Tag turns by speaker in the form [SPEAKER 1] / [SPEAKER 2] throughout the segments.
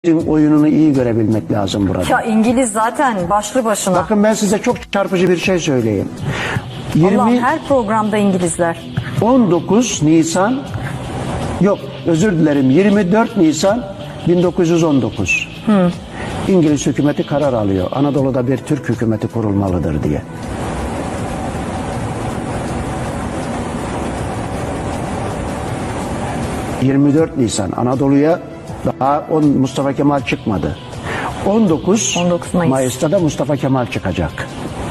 [SPEAKER 1] oyununu iyi görebilmek lazım burada.
[SPEAKER 2] Ya İngiliz zaten başlı başına.
[SPEAKER 1] Bakın ben size çok çarpıcı bir şey söyleyeyim.
[SPEAKER 2] Allah'ım, her programda İngilizler.
[SPEAKER 1] 19 Nisan yok özür dilerim 24 Nisan 1919. İngiliz hükümeti karar alıyor. Anadolu'da bir Türk hükümeti kurulmalıdır diye. ...24 Nisan Anadolu'ya daha Mustafa Kemal çıkmadı. 19 Mayıs'ta da Mustafa Kemal çıkacak.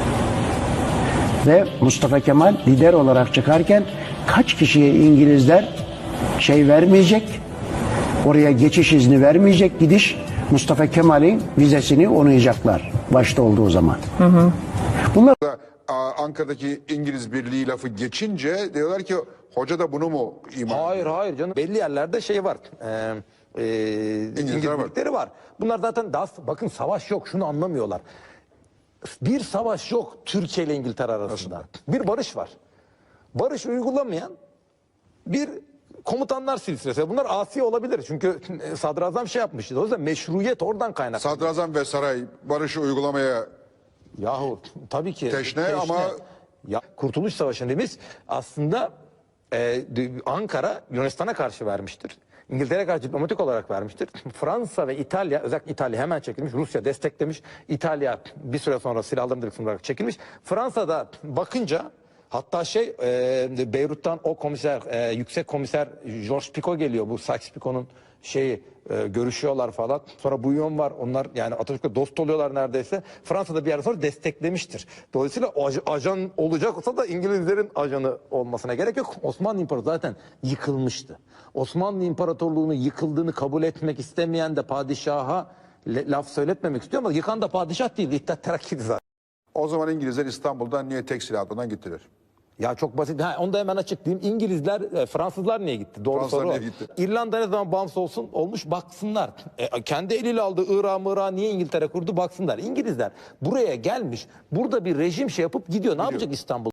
[SPEAKER 1] Ve Mustafa Kemal lider olarak çıkarken kaç kişiye İngilizler vermeyecek, oraya geçiş izni vermeyecek, gidiş Mustafa Kemal'in vizesini onaylayacaklar başta olduğu zaman. Bunlar
[SPEAKER 3] Ankara'daki İngiliz Birliği lafı geçince diyorlar ki hoca da bunu mu ima?
[SPEAKER 4] Hayır canım. Belli yerlerde şey var. İngiliz birlikleri var. Bunlar zaten bakın savaş yok, şunu anlamıyorlar. Bir savaş yok Türkiye ile İngiltere arasında. Bir barış var. Barış uygulamayan bir komutanlar silsilesi. Bunlar asi olabilir. Çünkü sadrazam şey yapmıştı. O yüzden meşruiyet oradan kaynaklı.
[SPEAKER 3] Sadrazam ve saray barışı uygulamaya
[SPEAKER 4] Yahu tabii ki.
[SPEAKER 3] teşne ama
[SPEAKER 4] ya, Kurtuluş Savaşı'nı biz aslında Ankara Yunanistan'a karşı vermiştir. İngiltere'ye karşı diplomatik olarak vermiştir. Fransa ve İtalya, özellikle İtalya hemen çekilmiş. Rusya desteklemiş. İtalya bir süre sonra silahlarını direksiyon olarak çekilmiş. Fransa'da bakınca hatta Beyrut'tan o komiser, yüksek komiser Georges Picot geliyor. Bu Sykes-Picot'un görüşüyorlar falan. Sonra Bouillon var. Onlar yani Atatürk'le dost oluyorlar neredeyse. Fransa'da bir yer sonra desteklemiştir. Dolayısıyla ajan olacaksa da İngilizlerin ajanı olmasına gerek yok. Osmanlı İmparatorluğu zaten yıkılmıştı. Osmanlı İmparatorluğu'nun yıkıldığını kabul etmek istemeyen de padişaha laf söyletmemek istiyor ama yıkan da padişah değil. İttihat Terakki'di zaten.
[SPEAKER 3] o zaman İngilizler İstanbul'dan niye tek silahlıdan gittiler?
[SPEAKER 4] Ya çok basit. Onu da hemen açıklayayım. İngilizler, Fransızlar niye gitti? Doğru
[SPEAKER 3] Fransızlar
[SPEAKER 4] soru o.
[SPEAKER 3] niye gitti?
[SPEAKER 4] İrlanda ne zaman bağımsız olmuş baksınlar. Kendi eliyle aldığı Irak'ı niye İngiltere kurdu baksınlar. İngilizler buraya gelmiş. Burada bir rejim yapıp gidiyor. Ne yapacak İstanbul?